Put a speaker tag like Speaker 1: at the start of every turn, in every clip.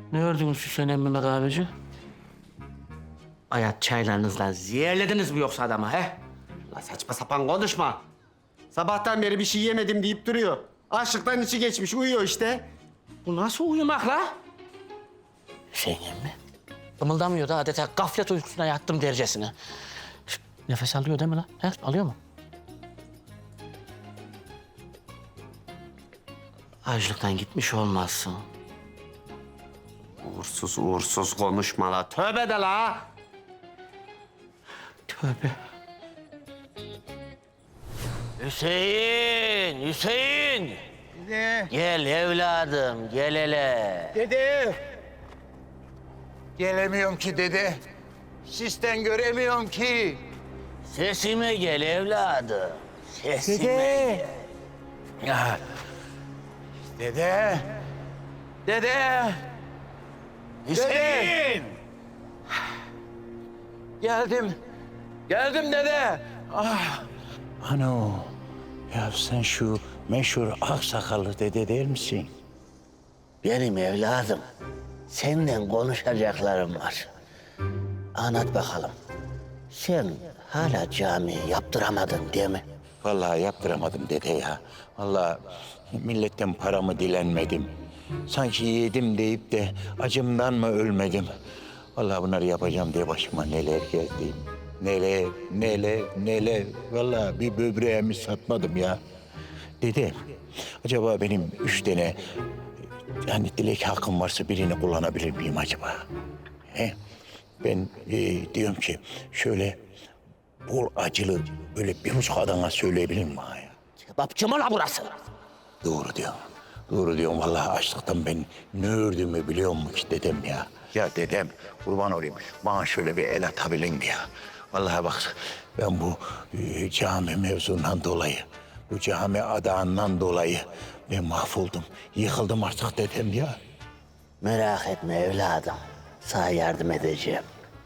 Speaker 1: Ne gördünüz Hüseyin emmime kahveci? Hayat çaylarınızla zehirlediniz mi yoksa adama he?
Speaker 2: La saçma sapan konuşma. Sabahtan beri bir şey yemedim deyip duruyor. Açlıktan içi geçmiş, uyuyor işte.
Speaker 1: Bu nasıl uyumak la? Hüseyin emmi. Kımıldamıyor da adeta gaflet uykusuna yattım dercesine. Şşt, nefes alıyor değil mi la? He? Alıyor mu? Açlıktan gitmiş olmazsın.
Speaker 2: Uğursuz konuşma la. Tövbe de la.
Speaker 1: Tövbe. Hüseyin!
Speaker 3: Dede,
Speaker 1: Gel evladım, gel hele.
Speaker 3: dede. Gelemiyorum ki dede. Sisten göremiyorum ki.
Speaker 1: Sesime gel evladım. Sesime
Speaker 3: Dede.
Speaker 1: gel.
Speaker 3: Ya. Dede. Dede.
Speaker 1: Hüseyin!
Speaker 3: Geldim. Geldim dede. Ah. Ano. Ya sen şu meşhur aksakallı dede değil misin?
Speaker 1: Benim evladım. Senden konuşacaklarım var. Anlat bakalım. Sen hala cami yaptıramadın değil mi?
Speaker 3: Vallahi yaptıramadım dede ya. Vallahi milletten paramı dilenmedim. Sanki yedim deyip de acımdan mı ölmedim? Vallahi bunları yapacağım diye başıma neler geldi. Neler. Vallahi bir böbreğimi satmadım ya. Dede, acaba benim 3 tane yani dilek hakkım varsa birini kullanabilir miyim acaba? He? Ben diyorum ki şöyle bol acılı böyle bir buçuk adana söyleyebilir miyim bana ya?
Speaker 1: Kebapçı mı la burası?
Speaker 3: Doğru diyorsun. Doğru diyorsun. Vallahi açlıktan ben ne ördüğümü biliyor musun ki dedem ya? Ya dedem kurban olayım. Bana şöyle bir el atabilin mi ya? Vallahi bak ben bu cami mevzundan dolayı, bu cami adağından dolayı ben mahvoldum. Yıkıldım artık dedem ya.
Speaker 1: Merak etme evladım. Sana yardım edeceğim.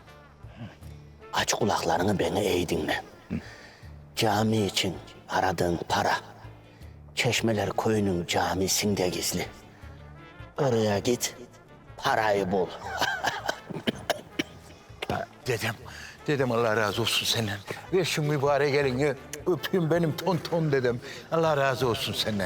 Speaker 1: Aç kulaklarını beni iyi dinle. Cami için aradığın para Çeşmeler Köyü'nün camisinde gizli. Oraya git, parayı bul.
Speaker 3: Dedem Allah razı olsun senden. Ver şu mübarek elini öpeyim benim tonton dedem. Allah razı olsun senden.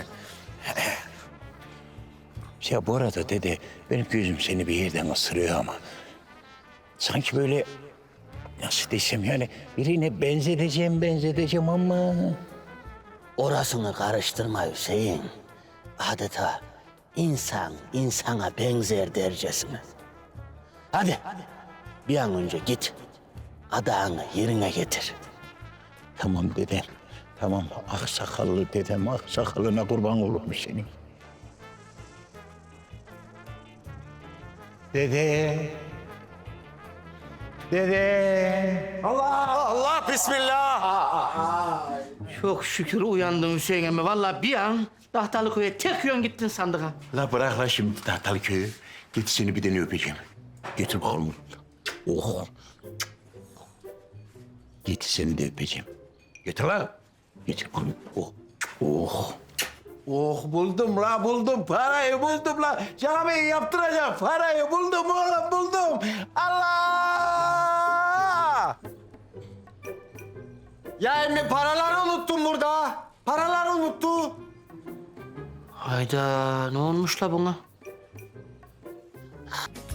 Speaker 3: Ya bu arada dede benim gözüm seni bir yerden ısırıyor ama. Sanki böyle nasıl desem yani birine benzeteceğim ama.
Speaker 1: Orasını karıştırma Hüseyin. Adeta insan insana benzer dercesine. Hadi, bir an önce git. Adağını yerine getir.
Speaker 3: Tamam dedem. Tamam aksakallı dedem aksakalına kurban olurum senin. Dede.
Speaker 2: Allah bismillah.
Speaker 1: Çok şükür uyandın Hüseyin emmi. Vallahi bir an Dahtalıköy'e tek yön gittin sandık ha.
Speaker 3: La bırak la şimdi Tahtalı köyü. Git seni bir tane öpeceğim. Getir bakalım. Oh. Git seni de öpeceğim. Getir la. Getir bakalım. Oh. Oh. Oh buldum la buldum. Parayı buldum la. Camiyi yaptıracağım. Parayı buldum oğlum buldum. Allah!
Speaker 2: Ya emmi paraları unuttum burada. Paraları unuttu.
Speaker 1: Hayda, ne olmuş la buna?